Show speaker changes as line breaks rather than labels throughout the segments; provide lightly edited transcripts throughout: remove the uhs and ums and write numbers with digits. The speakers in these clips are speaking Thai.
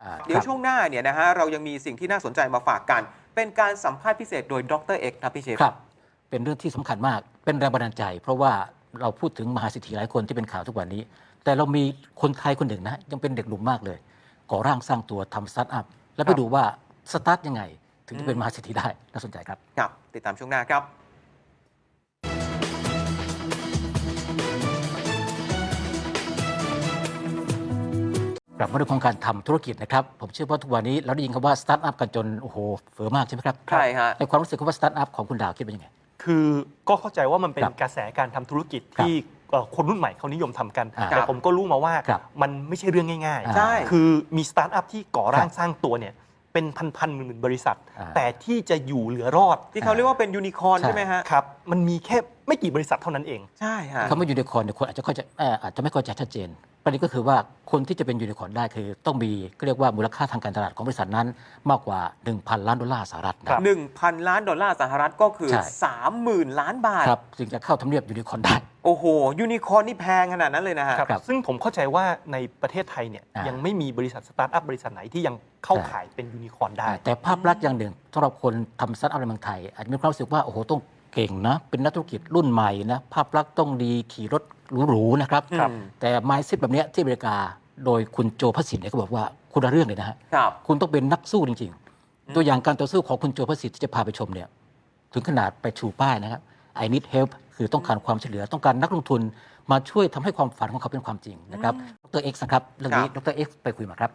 เดี๋ยวช่วงหน้าเนี่ยนะฮะเรายังมีสิ่งที่น่าสนใจมาฝากกัน เป็นการสัมภาษณ์พิเศษโดยดรเอกนะพี่เชฟ
ครับเป็นเรื่องที่สำคัญมากเป็นแรงบันดาลใจ เพราะว่าเราพูดถึงมหาเศรษฐีหลายคนที่เป็นข่าวทุกวันนี้ แต่เรามีคนไทยคนหนึ่งนะยังเป็นเด็กหนุ่มมากเลยก่อร่างสร้างตัวทำสตาร์ทอัพแล้วไปดูว่าสตาร์ทยังไงถึงจะเป็นมหาเศรษฐีได้น่าสนใจครับ
ครับติดตามช่วงหน้าครับ
กลับมาเรื่องของการทำธุรกิจนะครับผมเชื่อว่าทุกวันนี้เราได้ยินคำว่าสตาร์ทอัพกันจนโอ้โหเฟ้อมากใช่ไหมครับ
ใช่ฮะ
ในความรู้สึกว่าสตาร์ทอัพของคุณดาวคิดเป็นยังไง
คือก็เข้าใจว่ามันเป็นกระแสการทำธุรกิจที่คนรุ่นใหม่เขานิยมทำกัน แต่ผมก็รู้มาว่ามันไม่ใช่เรื่องง่ายๆคือมีสตาร์ทอัพที่ก่อร่างสร้างตัวเนี่ยเป็นพันหมื่นบริษัทแต่ที่จะอยู่เหลือรอด
ที่เขาเรียกว่าเป็นยูนิคอร์นใช่ไหมฮะ
ครับมันมีแค่ไม่กี่บริษัทเท่านั้นเอง
ใช่ฮะ
คำว่ายูนิคอร์นเนี่ยคนอาจจะไม่เข้าใจชัดเจนประเด็นก็คือว่าคนที่จะเป็นยูนิคอร์นได้คือต้องมีก็เรียกว่ามูลค่าทางการตลาดของบริษัทนั้นมากกว่า 1,000 ล้านดอลลาร์สหรัฐนะ
1,000 ล้านดอลลาร์สหรัฐก็คือ 30,000 ล้านบาท
ครับจึงจะเข้าทำเนียบยูนิคอร์นได้
โอ้โหยูนิคอร์นนี่แพงขนาดนั้นเลยนะฮะ
ซึ่งผมเข้าใจว่าในประเทศไทยเนี่ยยังไม่มีบริษัทสตาร์ทอัพบริษัทไหนที่ยังเข้าขายเป็นยูนิคอร์นได้
แต่ภาพลักษณ์อย่างหนึ่งสำหรับคนทำสตาร์ทอัพในเมืองไทยอาจจะมีความรู้สึกว่าโอ้โหต้องเก่งนะเป็นนักธุรกิจรุ่นใหม่นะภาพลักษณ์ต้องดีขี่รถหรูๆนะครับแต่ mindset แบบนี้ที่อเมริกาโดยคุณโจพสิทธิ์เนี่ยเขาบอกว่าคุณละเรื่องเลยนะฮะคุณต้องเป็นนักสู้จริงๆตัวอย่างการต่อสู้ของคุณโจพสิทธิ์ที่จะพาไปชมเนี่ยถึงขนาดไปชูป้ายนะครับ I need help คือต้องการความช่วยเหลือต้องการนักลงทุนมาช่วยทำให้ความฝันของเขาเป็นความจริงนะครับดรเอ็กซ์นะครับเรื่องนี้ดรเอ็กซ์ไปคุยมาครับ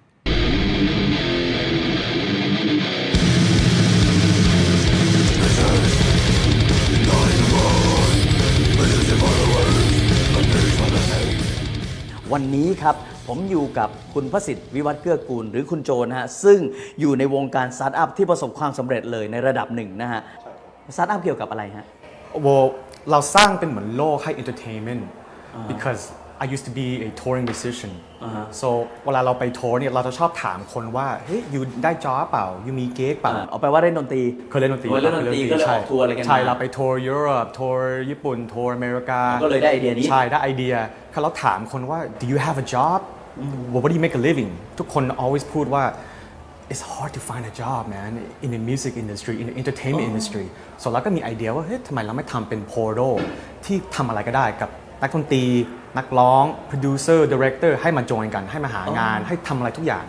วันนี้ครับผมอยู่กับคุณพสิทธิ์วิวัฒน์เกื้อกูลหรือคุณโจนะฮะซึ่งอยู่ในวงการสตาร์ทอัพที่ประสบความสำเร็จเลยในระดับหนึ่งนะฮะสตาร์ทอัพเกี่ยวกับอะไรฮะ
เราสร้างเป็นเหมือนโลกให้ entertainment because I used to be a touring musician so เวลาเราไปทัวร์เนี่ยเราจะชอบถามคนว่าเฮ้ยอยู่ได้จ็อบเปล่าอยู่มีเก๊กเปล่า
เอาไปว่าเล่นดนตรี
เคยเล่นดนตรี
ก็เลยออกทัวร์อะไรกัน
ใช่เราไปทัวร์ยุโรปทัวร์ญี่ปุ่นทัวร์อเมริกา
ก็เลยได้ไอเดียนี้
ใช่ได้ไอเดียเราถามคนว่า do you have a job what do you make a living ทุกคน always พูดว่า it's hard to find a job man in the music industry in the entertainment industry so เราก็มีไอเดียว่าเฮ้ยทำไมเราไม่ทำเป็น portal ที่ทำอะไรก็ได้กับนักดนตรีนักร้อง producer director ให้มาจอยกันให้มาหางานให้ทำอะไรทุกอย่าง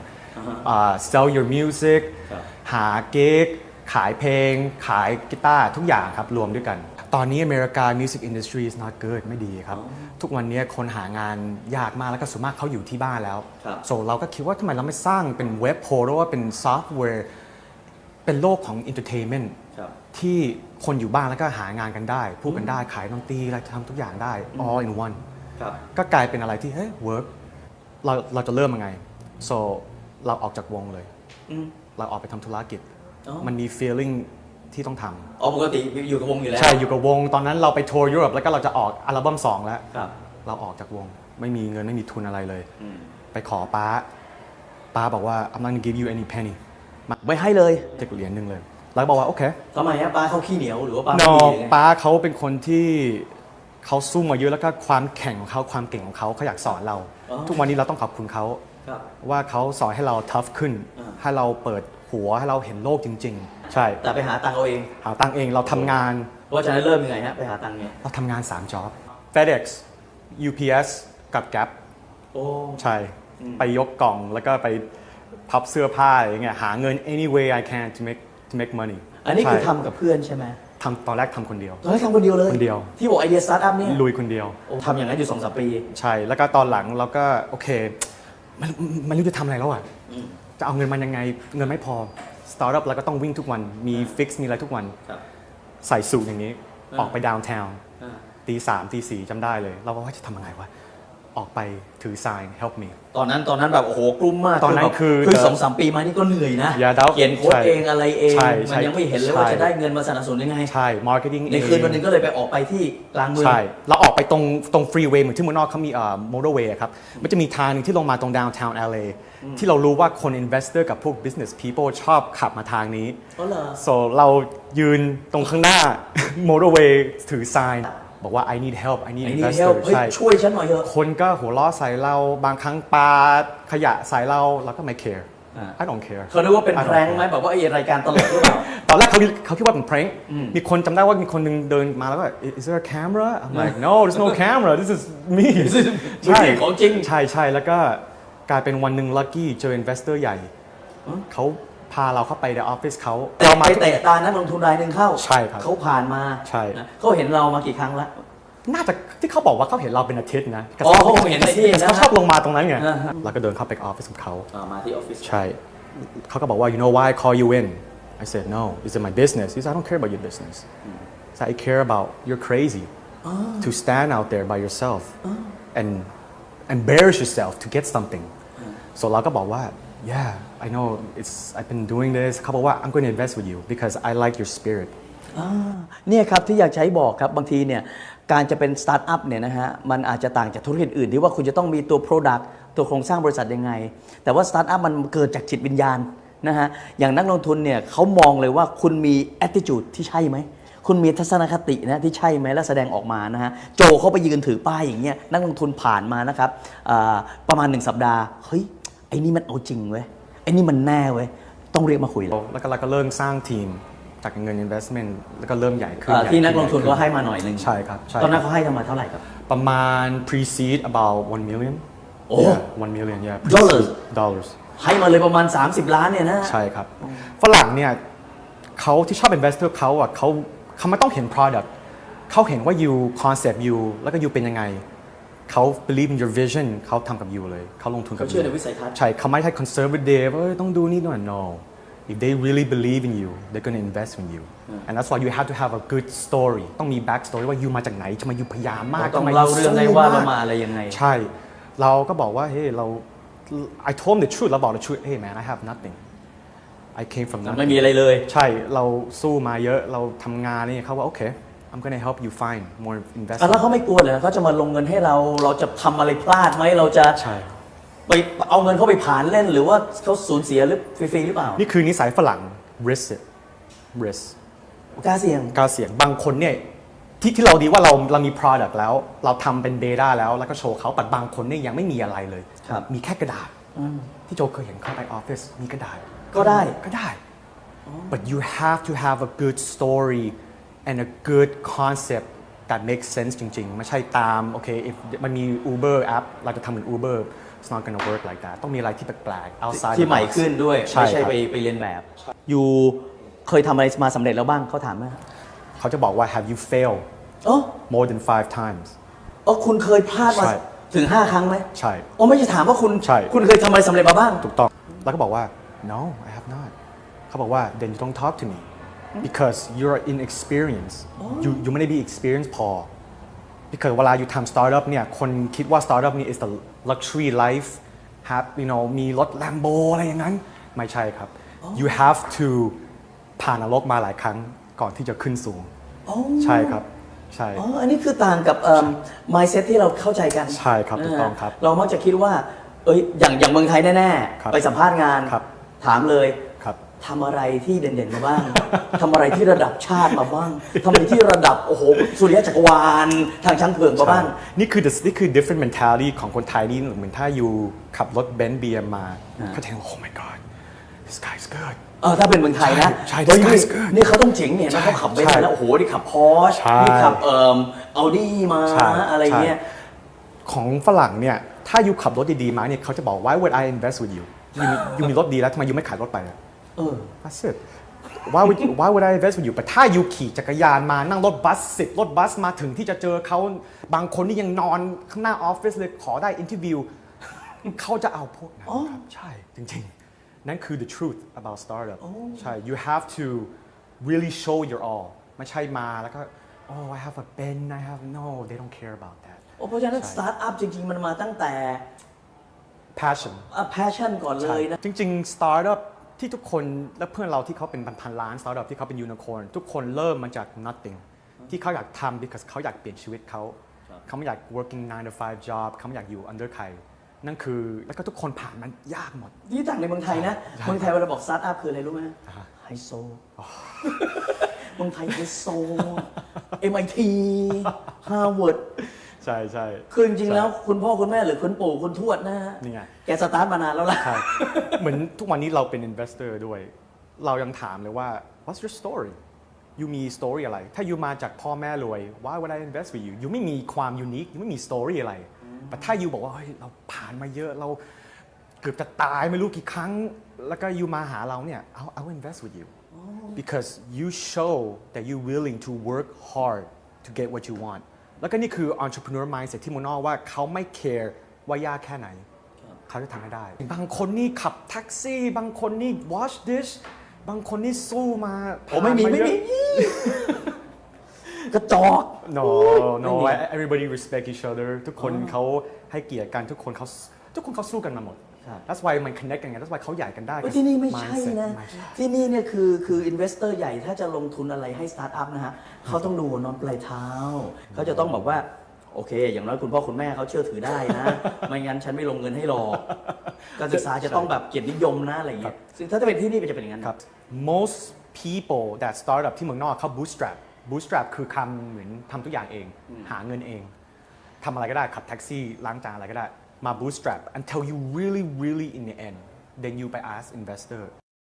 sell your music หาเก๊กขายเพลงขายกีตาร์ทุกอย่างครับรวมด้วยกันตอนนี้อเมริกา music industry is not good ไม่ดีครับทุกวันนี้คนหางานยากมากแล้วก็ส่วนมากเขาอยู่ที่บ้านแล้ว so เราก็คิดว่าทำไมเราไม่สร้างเป็นเว็บโพลว่าเป็นซอฟต์แวร์เป็นโลกของ entertainment ที่คนอยู่บ้านแล้วก็หางานกันได้พูดกันได้ขายดนตรีอะไรทำทุกอย่างได้ all in one ก็กลายเป็นอะไรที่เฮ้ย work เราจะเริ่มยังไง so เราออกจากวงเลยเราออกไปทำธุรกิจมันมี feeling ที่ต้องท
ำปกติอยู่กับวงอยู่แล้ว
ใช่อยู่กับวงตอนนั้นเราไปทัวร์ยุโรปแล้วก็เราจะออกอัลบั้ม2แล้วเราออกจากวงไม่มีเงินไม่มีทุนอะไรเลยไปขอป้าบอกว่า I'm not gonna give you any penny
ไม่ให้เลย
เจ็กเหรียญนึงเลยแล้วบอกว่าโอเค
ทำไมฮะป้าเขาขี้เหนียวหรือว่าป้า
ไม่ดีป้าเขาเป็นคนที่เขาสู้มาเยอะแล้วก็ความแข่งของเขาความเก่งของเขาอยากสอนเราทุกวันนี้เราต้องขอบคุณเขาว่าเขาสอนให้เรา tough ขึ้นให้เราเปิดหัวให้เราเห็นโลกจริงๆใช่
แต่ไปหาตังค์เอาเอง
หาตังค์เองเราทำงาน
เพราะฉะนั้นเริ่มยังไงฮะไปหาตังค์ไง
เราทำงาน3 job FedEx UPS กับ Gap ใช่ไปยกกล่องแล้วก็ไปพับเสื้อผ้าอย่างเงี้ยหาเงิน any way I can to make money
อันนี้คือทำกับเพื่อนใช่ไหม
ตอนแรกทำคนเดียว
ทำคนเดียวเลย
คนเดียว
ที่บอกไอเดียสตาร์ทอัพเนี่ย
ลุยคนเดียว
ทำอย่างนั้นอยู่ 2-3 ปี
ใช่แล้วก็ตอนหลังเราก็โอเคมันรู้จะทำอะไรแล้วอ่ะจะเอาเงินมันยังไงเงินไม่พอสตาร์ทอัพแล้วก็ต้องวิ่งทุกวันมีฟิกซ์มีอะไรทุกวันใส่สูทอย่างนี้ออกไปดาวน์ทาวน์ตี 3 ตี 4จำได้เลยเราว่าจะทำยังไงวะออกไปถือ sign help me
ตอนนั้นแบบโอ้โหกลุ้มมาก
ตอนนั้นคือ
2-3 ปีมานี่ก็เหนื่อยนะเขียนโค้ดเองอะไรเองมันยังไม่เห็นเลยว่าจะได้เงินมาสนับสนุนยังไง
ใช่ marketing
ในคืนวันนึงก็เลยไปออกไปที่กลางเมือง
ใช่เราออกไปตรงฟรีเวย์เหมือนที่เมืองนอกเขามีmotorway ครับมันจะมีทางนึงที่ลงมาตรง downtown LA ที่เรารู้ว่าคน investor กับพวก business people ชอบขับมาทางนี้so เรายืนตรงข้างหน้า motorway ถือ sign บอกว่า I need help I need
ไอ้นี่
investor
เฮ้ย
ใช่
ช่วยฉันหน่อยเถอะ
คนก็หัวเราะใส่เราบางครั้งปาขยะใส่เราก็ไม่ care I don't care
เขาคิดว่าเป็นแพร้งไหมแบบว่าไอ้รายการตลกหรือเปล่า
ตอนแรกเขาคิดว่าเป็น prank มีคนจำได้ว่ามีคนหนึงเดินมาแล้วก็ is there a camera I'm like no there's no camera this is me
ไม่ใช่ของจริง
ใช่แล้วก็กลายเป็นวันหนึ่ง lucky เจอ investor ใหญ่เขาพาเราเข้าไปในออฟฟิศเขา
เราไปเตะตานักลงทุนรายหนึ่งเข้า
ใช่ครับ
เขาผ่านมา
ใช่
นะเขาเห็นเรามากี่ครั้งแล้ว
น่าจะที่เขาบอกว่าเขาเห็นเราเป็นอาทิตย์นะ
อ๋อเขาเห็นในที่นะ
เขาชอบลงมาตรงนั้นไง
อ่าฮะ
เราก็เดินเข้าไปออฟฟิศของเขา
มาที่ออฟฟิศ
ใช่เขาก็บอกว่า you know why I call you in I said no it's in my business he said I don't care about your business I said I care about you're crazy to stand out there by yourself and embarrass yourself to get something so เราก็บอกว่า yeah I know I've been doing this เขาบอกว่า I'm going to invest with you because I like your spirit
เนี่ยครับที่อยากใช้บอกครับบางทีเนี่ยการจะเป็นสตาร์ทอัพเนี่ยนะฮะมันอาจจะต่างจากธุรกิจอื่นที่ว่าคุณจะต้องมีตัว Product ตัวโครงสร้างบริษัทยังไง แต่ว่าสตาร์ทอัพมันเกิดจากจิตวิญญาณนะฮะอย่างนักลงทุนเนี่ยเขามองเลยว่าคุณมี attitude ที่ใช่ไหมคุณมีทัศนคตินะที่ใช่ไหมและแสดงออกมานะฮะโจเขาไปยืนถือป้ายอย่างเงี้ยนักลงทุนผ่านมานะครับประมาณ1 สัปดาห์เฮ้ยไอ้นี่มันเอาจริงเว้ยไอ้นี่มันแน่เว้ยต้องเรียกมาคุยแล้ว
แล้วก็เราก็เริ่มสร้างทีมจากเงิน investment แล้วก็เริ่มใหญ่ขึ้น
ที่นักลงทุนก็ให้มาหน่อยหนึง
ใช่ครับใช่
ตอนนั้นเขาให้กันมาเท่าไหร่ครับ
ประมาณ pre-seed about 1 million
โอ้
yeah, 1 million yeah
dollars ให้มาเลยประมาณ30 ล้านเนี่ยนะ
ใช่ครับ ฝรั่งเนี่ยเขาที่ชอบ investor เขาอ่ะเขาไม่ต้องเห็น product เขาเห็นว่า you concept you แล้วก็ you เป็นยังไงเขา believe in your vision เขาทำกับ you เลยเขาลงทุนกับ
เขาเชื่อ
you
ในวิสัยทัศน์
ใช่เขาไม่ใช่ conservative ต้องดูนี่ด้วย no if they really believe in you they're going to invest in you and that's why you have to have a good story ต้องมี back story ว่า you มาจากไหนทำไม you พยายามมาก
ต้อง
ทำไม
เล่า
you
เรื่อง
สู้
ได้ว่าเรา
ก
มาอะไรยังไง
ใช่ เราก็บอกว่า เฮ้ย เรา I told him the truth เราบอก the truth hey man I have nothing I came from
ไม่
nothing
มีอะไรเลย
ใช่ เราสู้มาเยอะ เราทำงานนี่เขาว่า โอเค I'm gonna help you find more
แล้ว
investment
เขาไม่กลัวเลยเขาจะมาลงเงินให้เราจะทำอะไรพลาดไหมเราจะ
ใช่
ไปเอาเงินเขาไปผ่านเล่นหรือว่าเขาสูญเสียหรือฟรีๆหรือเปล่า
นี่คือนิสัยฝรั่ง risk it risk
กล้าเสี่ยง
กล้าเสี่ยง บางคนเนี่ยที่เราดีว่าเรามี product แล้ว เราทำเป็น data แล้วก็โชว์เขาแต่บางคนเนี่ยยังไม่มีอะไรเลย
ครับ
มีแค่กระดาษ ที่โจเคยเห็นเข้าไปออฟฟิศมีกระดาษ
ก็ได้
ก็ได้ but you have to have a good story and a good concept that makes sense จริงๆ ไม่ใช่ตาม โอเค if มันมี Uber app เราจะทำเหมือน Uber it's not gonna work like that ต้องมีอะไรที่แปลกๆ outside
ที่
the
ใหม่
box
ขึ้นด้วย
ใช่
ไม่ใช่
ครับ
ไปเรียนแบบอยู่เคยทำอะไรมาสำเร็จแล้วบ้างเขาถามไหม
เขาจะบอกว่า have you failed
โอ้
more than 5 times
คุณเคยพลาดมา
ใช่
ถึง 5 ครั้งไหม
ใช่
โอ้ไม่ใช่ถามว่าคุณ
ใช่
คุณเคยทำอะไรสำเร็จมาบ้าง
ถูกต้อง แล้วก็บอกว่า no I have not เขาบอกว่า then you don't talk to me because you're inexperienced you ไม่ได้ be experienced พอ because เวลาอยู่ทำ startup เนี่ย คนคิดว่า startup นี่ is the luxury life have you know มีรถ Lambo อะไรอย่างนั้น ไม่ใช่ครับ you have to ผ่านนรกมาหลายครั้งก่อนที่จะขึ้นสูง ใช่ครับ ใช่
อ๋อ อันนี้คือต่างกับmindset ที่เราเข้าใจกัน
ใช่ครับถูกต้องครับ
เรามักจะคิดว่า อย่างเมืองไทยแน่
ครับ
ๆ ไปสัมภาษณ์งาน
ครับ
ถามเลย
ครับ
ทำอะไรที่เด่นๆมาบ้าง ทำอะไรที่ระดับชาติมาบ้างทำอะไรที่ระดับโอ้โหสุริยะจักรวาลทางช้างเผือกมาบ้าง
นี่คือ different mentality ของคนไทยนี่เหมือนถ้าอยู่ขับรถเบนซ์ BM มาเขาจะเห็น oh my god this guy's good
ถ้าเป็นเมืองไทยนะ
ใช่
เฮ้ย
this guy's good
นี่เขาต้องเจ๋งเนี่ยนะเขาขับเบนซ์มาแล้วโอ้โหนี่ขับพอร์ช
ใช่
นี่ขับอัลดี้มา
ใช่
อะไรเงี้ย
ใช่ของฝรั่งเนี่ย ถ้าอยู่ขับรถดีๆมาเนี่ยเขาจะบอก why would I invest with you ยูมีรถดีแล้วทำไมยูไม่ขายรถไปอะ That's it why would I invest with you แต่ถ้ายูขี่จักรยานมานั่งรถบัส10 รถบัสมาถึงที่จะเจอเขาบางคนนี่ยังนอนข้างหน้าออฟฟิศเลยขอได้อินเทอร์วิวเขาจะเอาพวกนั้นครับใช่จริงๆ นั่นคือ the truth about startup ใช่ you have to really show your all ไม่ใช่มาแล้วก็ oh I have a pen I have no they don't care about that
เพราะฉะนั้นสตาร์ทอัพจริงๆ มันมาตั้งแต่
passion
passion ก่อนเลยนะ
จริงๆ startup ที่ทุกคนและเพื่อนเราที่เขาเป็นพันล้าน startup ที่เขาเป็น unicorn ทุกคนเริ่มมาจาก nothing ที่เขาอยากทำ because เขาอยากเปลี่ยนชีวิตเขาไม่อยาก working 9 to 5 job เขาไม่อยากอยู่ under ใครนั่นคือแล้วก็ทุกคนผ่านมันยากหมด
ที่ต่างในเมืองไทยนะ เมืองไทยเวลาบอกสตาร์ทอัพคืออะไรรู้ไหมไฮโซเมืองไทยไฮโซ MIT Harvard
ใช่ใช่
คือจริงๆแล้วคุณพ่อคุณแม่หรือคุณปู่คุณทวดนะฮะ
นี่ไง
แกสตาร์ทมานานแล้วล่ะ
ใช่ เหมือนทุกวันนี้เราเป็น investor ด้วย เรายังถามเลยว่า what's your story ยูมี story อะไร ถ้ายูมาจากพ่อแม่รวย why would I invest with you ยูไม่มีความ unique ยูไม่มี story อะไร แต่ถ้ายูบอกว่าเฮ้ยเราผ่านมาเยอะเราเกือบจะตายไม่รู้กี่ครั้ง แล้วก็ยูมาหาเราเนี่ย I'll invest with you because you show that you're willing to work hard to get what you want แล้วก็นี่คือ entrepreneur mindset ที่มุนนอกว่าเขาไม่ care ว่ายากแค่ไหน เขาจะทำให้ได้ บางคนนี่ขับแท็กซี่ บางคนนี่ wash dish บางคนนี่สู้มา
ผมไม่มี
ผ่านา
ไม่
เย
มี
อะ
กระจอก
no no everybody respect each other ทุกคนเขาให้เกียรติกันทุกคนเขาสู้กันมาหมด that's why มัน connect กันไง that's why เขาใหญ่กันได้
ที่นี่ไม่ใช่
mindset
นะ
ไม่ใช่
ที่นี่เนี่ยคืออินเวสเตอร์ใหญ่ถ้าจะลงทุนอะไรให้สตาร์ทอัพนะฮะเขาต้องดูนอนปลายเท้า เขาจะต้องบอกว่า โอเค อย่างน้อยคุณพ่อคุณแม่เขาเชื่อถือได้นะ ไม่งั้นฉันไม่ลงเงินให้หรอกการศึกษาจะต้องแบบเกียรตินิยมนะอะไรอย่างเงี้ยซึ่งถ้าจะเป็นที่นี่มันจะเป็นอย่างนั้น
ครับ most people that start up ที่เมืองนอกเขา bootstrap คือคำเหมือนทำทุกอย่างเอง หาเงินเองทำอะไรก็ได้ขับแท็กซี่ล้างจานอะไรก็ได้มา bootstrap until you really in the end then you ไป ask investor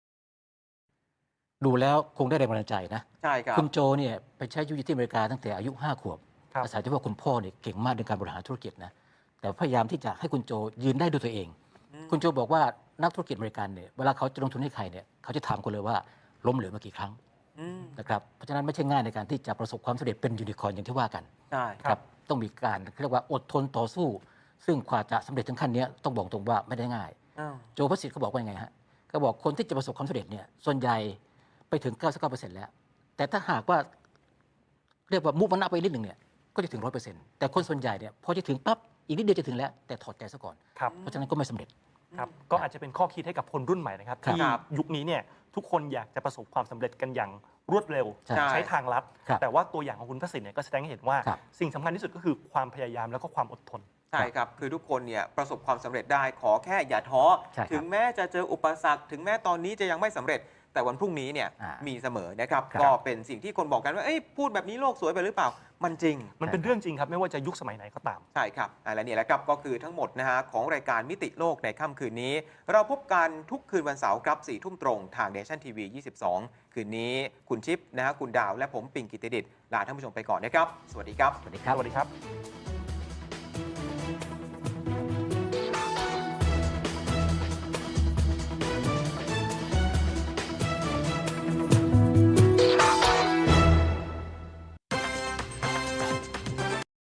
ดูแล้วคงได้แรงบันดาลใจนะ
ใช่ครับ
คุณโจเนี่ยไปใช้ชีวิตอยู่ที่อเมริกาตั้งแต่อายุ 5 ขวบ
ครับ
อาศัยที่ว่าคุณพ่อเนี่ยเก่งมากในการบริหารธุรกิจนะแต่พยายามที่จะให้คุณโจยืนได้ด้วยตัวเอง คุณโจบอกว่านักธุรกิจอเมริกันเนี่ยเวลาเขาจะลงทุนให้ใครเนี่ยเขาจะถามคนเลยว่าล้มเหลวมากี่ครั้งนะครับเพราะฉะนั้นไม่ใช่ง่ายในการที่จะประสบความสำเร็จเป็นยูนิคอร์นอย่างที่ว่ากัน
ใช่
ครับต้องมีการเรียกว่าอดทนต่อสู้ ซึ่งกว่าจะสำเร็จถึงขั้นนี้ต้องบอกตรงว่าไม่ได้ง่าย
อ้าว
โจพระสิทธิ์เขาบอกว่ายังไงฮะเขาบอกคนที่จะประสบความสำเร็จเนี่ยส่วนใหญ่ไปถึง 99% แล้ว แต่ถ้าหากว่าเรียกว่ามุมันอัพไปนิดหนึ่งเนี่ยก็จะถึง 100%แต่คนส่วนใหญ่เนี่ยพอจะถึงปั๊บอีกนิดเดียวจะถึงแล้วแต่ถอดใจซะก่อน
ครับ
เพราะฉะนั้นก็ไม่สำเร็จ
ครับก็อาจจะเป็นข้อคิดให้กับคนรุ่นใหม่นะครับ
ครับ
ที่ยุคนี้เนี่ยทุกคนอยากจะประสบความสำเร็จกันอย่างรวดเร็ว
ใช่
ใช้ทางลัด
ครับ
แต่ว่าตัวอย่างของคุณพระสิทธิ์เนี่ยก็แสดงให้เห็นว่า
ครับ
สิ่งสำคัญที่สุดก็คือความพยายามแล้วก็ความอดทน
ใช่ครับ คือทุกคนเนี่ยประสบความสำเร็จได้ขอแค่อย่าท้อ
ใช่ครับ
ถึงแม้จะเจออุปสรรค ถึงแม้ตอนนี้จะยังไม่สำเร็จ แต่วันพรุ่งนี้เนี่ย
อ่ามี
มีเสมอนะครับ
ครับ
ก็เป็นสิ่งที่คนบอกกันว่าเอ้ยพูดแบบนี้โลกสวยไปหรือเปล่า มันจริง
มันเป็นเรื่องจริงครับไม่ว่าจะยุคสมัยไหนก็ตาม
ใช่ครับและนี่แหละครับก็คือทั้งหมดนะฮะของรายการมิติโลกในค่ำคืนนี้ เราพบกันทุกคืนวันเสาร์ครับ4 ทุ่มตรงทาง Nation TV 22 คืนนี้คุณชิปนะฮะคุณดาวและผมปิงกิติดิษฐ์ลาท่านผู้ชมไปก่อนนะครับ สวัสดีครับ
สวัสดีครับ
สวัสดีครับ